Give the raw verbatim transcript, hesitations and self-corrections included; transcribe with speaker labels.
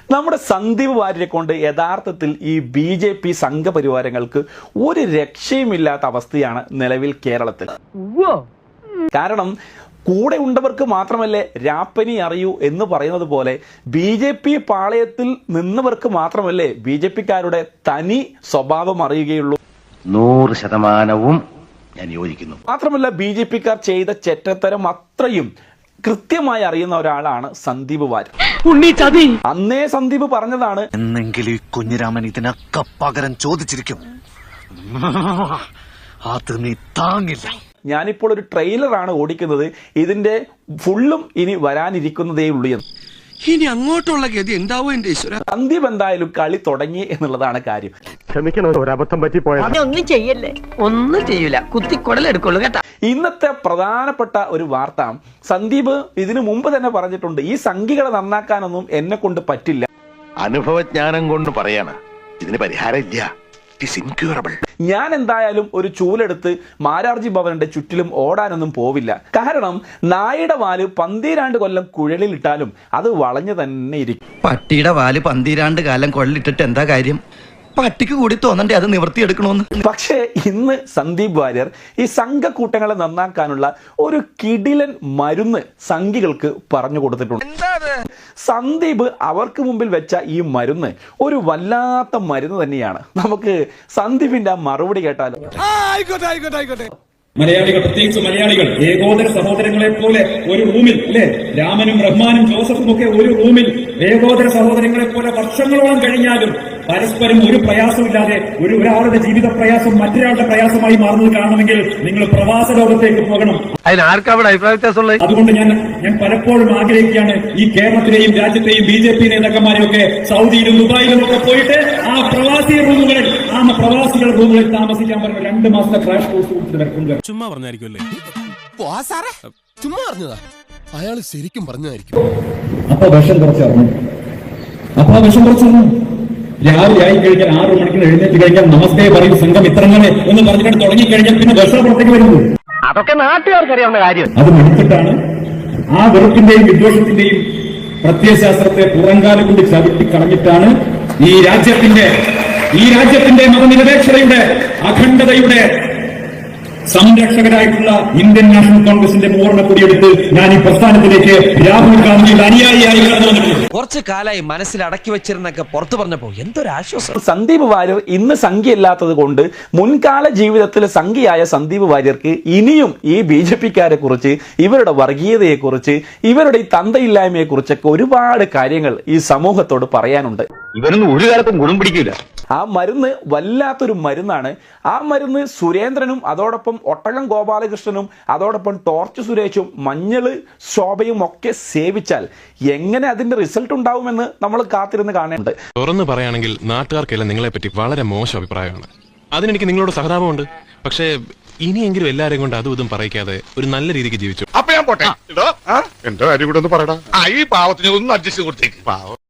Speaker 1: നമ്മുടെ സന്ദീപ് വാര്യരെ കൊണ്ട് യഥാർത്ഥത്തിൽ ഈ ബി ജെ പി സംഘപരിവാരങ്ങൾക്ക് ഒരു രക്ഷയുമില്ലാത്ത അവസ്ഥയാണ് നിലവിൽ കേരളത്തിൽ. കാരണം കൂടെ ഉണ്ടവർക്ക് മാത്രമല്ലേ രാപ്പനി അറിയൂ എന്ന് പറയുന്നത് പോലെ ബി ജെ പി പാളയത്തിൽ നിന്നവർക്ക് മാത്രമല്ലേ ബി ജെ പിക്കാരുടെ തനി സ്വഭാവം അറിയുകയുള്ളൂ.
Speaker 2: നൂറ് ശതമാനവും ഞാൻ യോജിക്കുന്നു.
Speaker 1: മാത്രമല്ല ബി ജെ പിക്കാർ ചെയ്ത ചെറ്റത്തരം അത്രയും കൃത്യമായി അറിയുന്ന ഒരാളാണ് സന്ദീപ് വാര്യർ. അന്നേ സന്ദീപ് പറഞ്ഞതാണ്,
Speaker 3: എന്നെങ്കിലും ഈ കുഞ്ഞിരാമൻ ഇതിനൊക്കെ പകരം ചോദിച്ചിരിക്കും, അത് നീ താങ്ങില്ല.
Speaker 1: ഞാനിപ്പോൾ ഒരു ട്രെയിലറാണ് ഓടിക്കുന്നത്, ഇതിന്റെ ഫുള്ളും ഇനി വരാനിരിക്കുന്നതേ ഉള്ളൂ എന്ന്.
Speaker 4: ഇനി അങ്ങോട്ടുള്ള ഗതി എന്താവോ എന്റെ ഈശ്വര.
Speaker 1: സന്ദീപ് എന്തായാലും കളി തുടങ്ങി എന്നുള്ളതാണ് കാര്യം.
Speaker 5: ഒരബദ്ധം പറ്റി പോയത്
Speaker 6: ഒന്നും ചെയ്യല്ലേ, ഒന്നും ചെയ്യൂല, കുത്തിക്കൊടലെടുക്കുള്ളൂ കേട്ടാ.
Speaker 1: ഇന്നത്തെ പ്രധാനപ്പെട്ട ഒരു വാർത്ത, സന്ദീപ് ഇതിനു മുമ്പ് തന്നെ പറഞ്ഞിട്ടുണ്ട്, ഈ സംഖ്യകളെ നന്നാക്കാനൊന്നും എന്നെ കൊണ്ട് പറ്റില്ല.
Speaker 2: അനുഭവജ്ഞാനം കൊണ്ട് പറയാണ്, ഇതിന് പരിഹാരം ഇല്ല.
Speaker 1: ഞാൻ എന്തായാലും ഒരു ചൂലെടുത്ത് മാരാർജി ഭവന്റെ ചുറ്റിലും ഓടാനൊന്നും പോവില്ല. കാരണം നായയുടെ വാല് പന്തീരാണ്ട് കൊല്ലം കുഴലിലിട്ടാലും അത് വളഞ്ഞു തന്നെ ഇരിക്കും.
Speaker 7: പട്ടിയുടെ വാല് പന്തീരാണ്ട് കാലം കൊള്ളിട്ടിട്ട് എന്താ കാര്യം? പട്ടിക്ക് കൂടി തോന്നണ്ടേ അത് നിവർത്തിയെടുക്കണമെന്ന്.
Speaker 1: പക്ഷേ ഇന്ന് സന്ദീപ് വാര്യർ ഈ സംഘക്കൂട്ടങ്ങളെ നന്നാക്കാനുള്ള ഒരു കിടിലൻ മരുന്ന് സംഘികൾക്ക് പറഞ്ഞു കൊടുത്തിട്ടുണ്ട്. സന്ദീപ് അവർക്ക് മുമ്പിൽ വെച്ച ഈ മരുന്ന് ഒരു വല്ലാത്ത മരുന്ന് തന്നെയാണ്. നമുക്ക് സന്ദീപിന്റെ ആ മറുപടി കേട്ടാലോ.
Speaker 8: മലയാളികൾ, പ്രത്യേകിച്ച് മലയാളികൾ, ഏകോദര സഹോദരങ്ങളെ പോലെ ഒരു റൂമിൽ അല്ലെ, രാമനും റഹ്മാനും ജോസഫും ഒക്കെ ഒരു റൂമിൽ ഏകോദര സഹോദരങ്ങളെ പോലെ വർഷങ്ങളോളം കഴിഞ്ഞാലും പരസ്പരം ഒരു പ്രയാസമില്ലാതെ ഒരു ഒരാളുടെ ജീവിത പ്രയാസം മറ്റൊരാളുടെ പ്രയാസമായി മാറുന്നത് കാണണമെങ്കിൽ നിങ്ങൾ പ്രവാസ ലോകത്തേക്ക് പോകണം. അതുകൊണ്ട് ഞാൻ ഞാൻ പലപ്പോഴും ആഗ്രഹിക്കുകയാണ്, ഈ കേരളത്തിലെയും രാജ്യത്തെയും ബി ജെ പി നേതാക്കന്മാരെയൊക്കെ സൗദിയിലും ദുബായിലും ഒക്കെ പോയിട്ട് ആ പ്രവാസി റൂമുകളിൽ ആ പ്രവാസികൾ റൂമുകളിൽ താമസിക്കാൻ പറഞ്ഞ രണ്ട് മാസത്തെ ക്രാഷ് കോഴ്സ് കൊടുത്തിട്ട്
Speaker 4: ചുമ്മാ പറഞ്ഞായിരിക്കുമല്ലേ? ചുമ്മാ പറഞ്ഞതാ, അയാൾ ശരിക്കും പറഞ്ഞതായിരിക്കും.
Speaker 8: അപ്പൊ വിഷം കുറച്ചറിഞ്ഞു അപ്പൊ ആ വിഷം കുറച്ചറിഞ്ഞു രാവിലെ ആയി കഴിഞ്ഞാൽ ആറു മണിക്ക് എഴുന്നേറ്റ് കഴിഞ്ഞാൽ നമസ്തേ പറയും സംഘം ഇത്രങ്ങനെ എന്ന് പറഞ്ഞിട്ട് തുടങ്ങിക്കഴിഞ്ഞാൽ പിന്നെ വിഷം പുറത്തേക്ക് വരുന്നു.
Speaker 2: അതൊക്കെ നാട്ടുകാർക്ക് അറിയാവുന്ന കാര്യം.
Speaker 8: അത് മടുത്തിട്ടാണ് ആ വെറുപ്പിന്റെയും വിദ്വേഷത്തിന്റെയും പ്രത്യയശാസ്ത്രത്തെ പുറങ്കാലം കൊണ്ട് ചവിട്ടി കളഞ്ഞിട്ടാണ് ഈ രാജ്യത്തിന്റെ ഈ രാജ്യത്തിന്റെ മതനിരപേക്ഷതയുടെ അഖണ്ഡതയുടെ സംരക്ഷകരായിട്ടുള്ള ഇന്ത്യൻ നാഷണൽ കോൺഗ്രസിന്റെ പൂർണ്ണ കൊടിയെടുത്ത് ഞാൻ ഈ പ്രസ്ഥാനത്തിലേക്ക് രാഹുൽ ഗാന്ധിയുടെ അനുയായിയായി കടന്നു വന്നിട്ടുണ്ട്.
Speaker 7: കുറച്ചു കാലായി മനസ്സിൽ അടക്കി വെച്ചിരുന്നൊക്കെ പുറത്തു പറഞ്ഞപ്പോ എന്തൊരാശ്വാസം.
Speaker 1: സന്ദീപ് വാര്യർ ഇന്ന് സംഖ്യയില്ലാത്തത് കൊണ്ട് മുൻകാല ജീവിതത്തിൽ സംഖ്യയായ സന്ദീപ് വാര്യർക്ക് ഇനിയും ഈ ബി ജെ പിക്കാരെ കുറിച്ച്, ഇവരുടെ വർഗീയതയെ കുറിച്ച്, ഇവരുടെ ഈ തന്തയില്ലായ്മയെ കുറിച്ചൊക്കെ ഒരുപാട് കാര്യങ്ങൾ ഈ സമൂഹത്തോട് പറയാനുണ്ട്.
Speaker 2: ഇവനൊന്നും ഒരു കാലത്തും ഗുണം പിടിക്കില്ല.
Speaker 1: ആ മരുന്ന് വല്ലാത്തൊരു മരുന്നാണ്. ആ മരുന്ന് സുരേന്ദ്രനും അതോടൊപ്പം ഒട്ടകം ഗോപാലകൃഷ്ണനും അതോടൊപ്പം ടോർച്ച് സുരേഷും മഞ്ഞള് ശോഭയും ഒക്കെ സേവിച്ചാൽ എങ്ങനെ അതിന്റെ റിസൾട്ട് ഉണ്ടാവുമെന്ന് നമ്മൾ കാത്തിരുന്ന് കാണേണ്ടത്.
Speaker 9: തുറന്നു പറയുകയാണെങ്കിൽ നാട്ടുകാർക്കെല്ലാം നിങ്ങളെ പറ്റി വളരെ മോശം അഭിപ്രായമാണ്. അതിനെനിക്ക് നിങ്ങളോട് സഹതാപമുണ്ട്. പക്ഷേ ഇനിയെങ്കിലും എല്ലാരെയും കൊണ്ട് അതും ഇതും പറയിക്കാതെ ഒരു നല്ല രീതിക്ക് ജീവിച്ചു.
Speaker 5: അപ്പൊ ഞാൻ പോട്ടെ. എന്റെ കാര്യം കൂടെ ഒന്ന് പറയടാ. ഈ പാവത്തിന് ഒന്ന് അഡ്ജസ്റ്റ് കൊടുത്തേക്ക്.